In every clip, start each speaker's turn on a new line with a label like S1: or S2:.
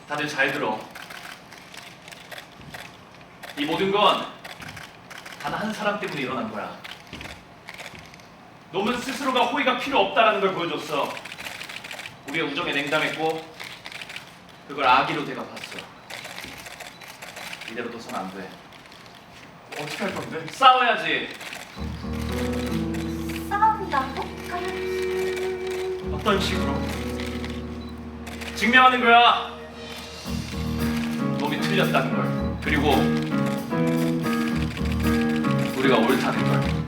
S1: 다들 잘 들어. 이 모든 건 단 한 사람 때문에 일어난 거야. 놈은 스스로가 호의가 필요 없다라는 걸 보여줬어. 우리의 우정에 냉담했고 그걸 악의로 대갚았어. 이대로 둬선 안 돼.
S2: 어떻게 할 건데?
S1: 싸워야지.
S3: 싸운다고?
S1: 어떤 식으로? 증명하는 거야. 놈이 틀렸다는 걸. 그리고 우리가 옳다는 걸.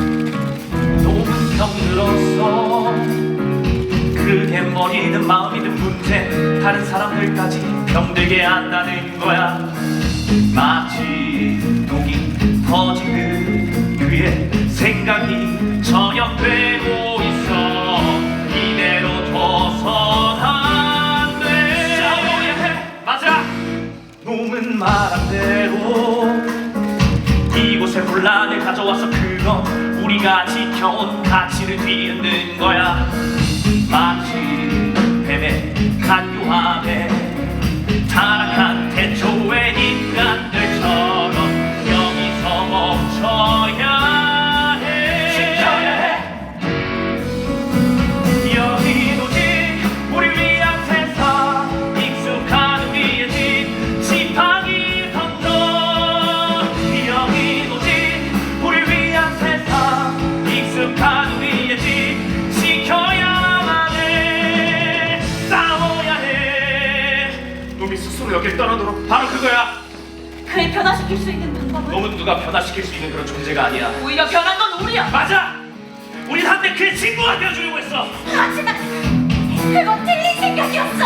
S1: 놈은 병들었어. 그게 머리든 마음이든 문제. 다른 사람들까지 병들게 한다는 거야. 마치 독이 퍼지듯 그의 생각이 저격되고 있어. 이대로 둬선 안 돼. 싸워야 해. 맞아. 놈은 말한 대로 이곳에 혼란을 가져와서 그건 우리가 지켜온 가치를 뒤흔든 거야. 마치 뱀의 간교함에 타락한 태초의 인간들처럼 여기서 멈춰야 해. 지켜야 해. 여긴 오직 우리 위한 세상. 익숙한 우리의 집 지팡이 던져. 여긴 오직 우리 위한 세상. 익숙한 우리의 집 지켜야만 해. 싸워야 해. 놈이 스스로 여길 떠나도록. 바로 그거야.
S3: 그를 변화시킬 수 있는 방법은?
S1: 놈은 누가 변화시킬 수 있는 그런 존재가 아니야.
S3: 오히려 변한 건 우리야.
S1: 맞아. 우린 한때 그의 친구가 되어주려고 했어.
S3: 하지만 그건 틀린 생각이었어.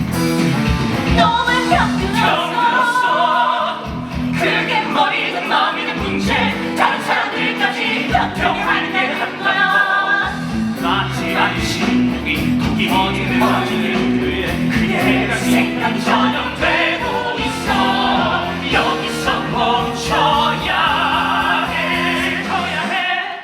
S3: 너무 병들었어. 그게 머리든 마음이든 문제. 다른 사람들까지 병들게 한 거야.
S1: 마치 안심국이 독이 퍼지는 그의 생각이 전염되고 있어. 여기서 멈춰야 해. 지켜야 해.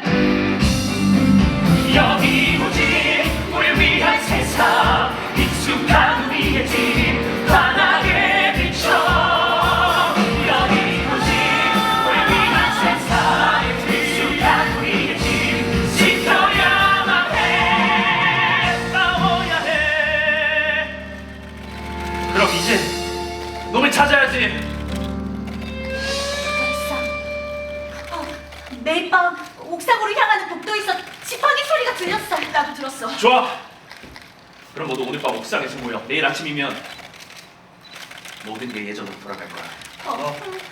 S1: 여기 오직 우리 위한 세상. 익숙한 우리의 집 환하게 비춰. 여기 오직 우리 위한 세상. 익숙한 우리의 집 지켜야만 해. 싸워야 해. 그럼 이제 놈을 찾아야지.
S3: 매일 밤 옥상으로 향하는 복도에서 지팡이 소리가 들렸어. 나도 들었어.
S1: 좋아. 그럼 모두 오늘 밤 옥상에서 모여. 내일 아침이면 모든 게 예전으로 돌아갈 거야.
S3: 어.